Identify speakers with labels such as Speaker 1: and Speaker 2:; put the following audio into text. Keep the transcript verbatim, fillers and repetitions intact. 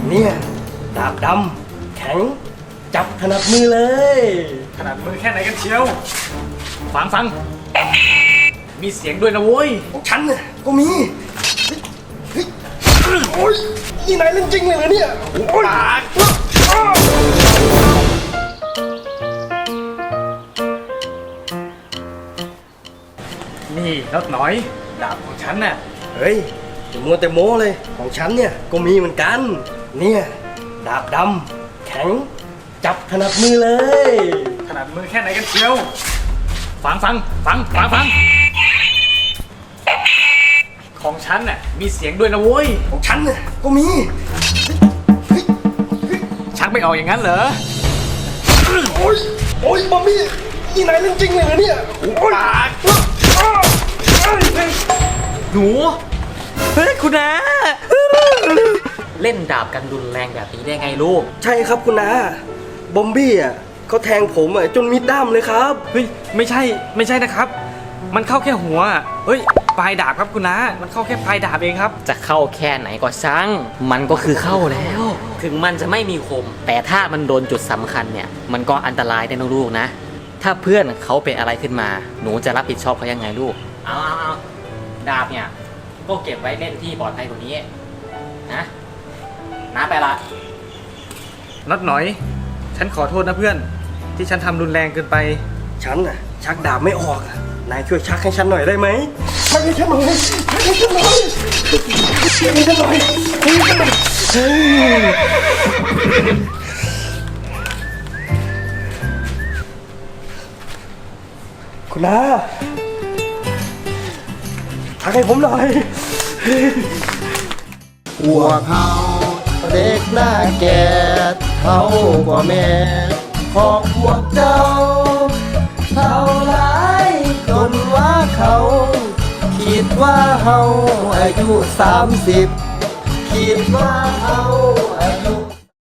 Speaker 1: เนี่ยดาบดำแข็งจับถนัดมือเลย
Speaker 2: ขนาดมือแค่ไหนกันเชียวฟังฟังมีเสียงด้วยนะโว้ย
Speaker 1: ของฉันน่ะก็มีเฮ้ยโอ้ยนี่นายเล่นจริงเลยเหรอเนี่ยโอ้ย
Speaker 2: นี่น็อตหน่อยดาบของฉันน่ะ
Speaker 1: เฮ้ยจะมัวแต่โม้เลยของฉันเนี่ยก็มีเหมือนกันเนี่ยดาบดำแข็งจับถนัดมือเลย
Speaker 2: ขนาดมือแค่ไหนกันเชียวฟังฟังฟังฟังฟังของฉันน่ะมีเสียงด้วยนะโว้ย
Speaker 1: ของฉันน่ะก็มี
Speaker 2: ชักไม่ออกอย่างนั้นเหรอ
Speaker 1: โอ้ยโอ้ยบอมบี้นี่นายเล่นจริงเลยเหรอเนี่ยโอ้ย
Speaker 2: หนูเฮ้ยคุณนา
Speaker 3: เล่นดาบกันรุนแรงแบบนี้ได้ไงลูก
Speaker 1: ใช่ครับคุณนาบอมบี้อ่ะเขาแทงผมอ่ะจนมิดด้ามเลยครับ
Speaker 2: เฮ้ยไม่ใช่ไม่ใช่นะครับมันเข้าแค่หัวเฮ้ยปลายดาบครับคุณนามันเข้าแค่ปลายดาบเองครับ
Speaker 3: จะเข้าแค่ไหนก็ช่างมันก็คือเข้าแล้ว ถึงมันจะไม่มีคมแต่ถ้ามันโดนจุดสำคัญเนี่ยมันก็อันตรายได้นะลูกนะถ้าเพื่อนเขาเป็นอะไรขึ้นมาหนูจะรับผิดชอบเขายังไงลูกเอาเอาเอาดาบเนี่ยก็เก็บไว้เล่นที่ปลอดภัยกว่านี้นะน้าไปละ
Speaker 2: น็อตหน่อยฉันขอโทษนะเพื่อนที่ฉันทำรุนแรงเกินไป
Speaker 1: ฉันน่ะชักดาบไม่ออกนายช่วยชักให้ฉันหน่อยได้ไหมชักให้ฉันหน่อยชักให้ฉันหน่อยชักให้ฉันหน่อยชักให้ฉันหน่อยคุณนาชักให้ผมหน่อย
Speaker 4: พวกเขาเด็กหน้าแก่เขากว่าแม่ของพวกเจ้าเท่าไรจนว่าเขาคิดว่าเฮาอายุสามสิบคิดว่าเฮา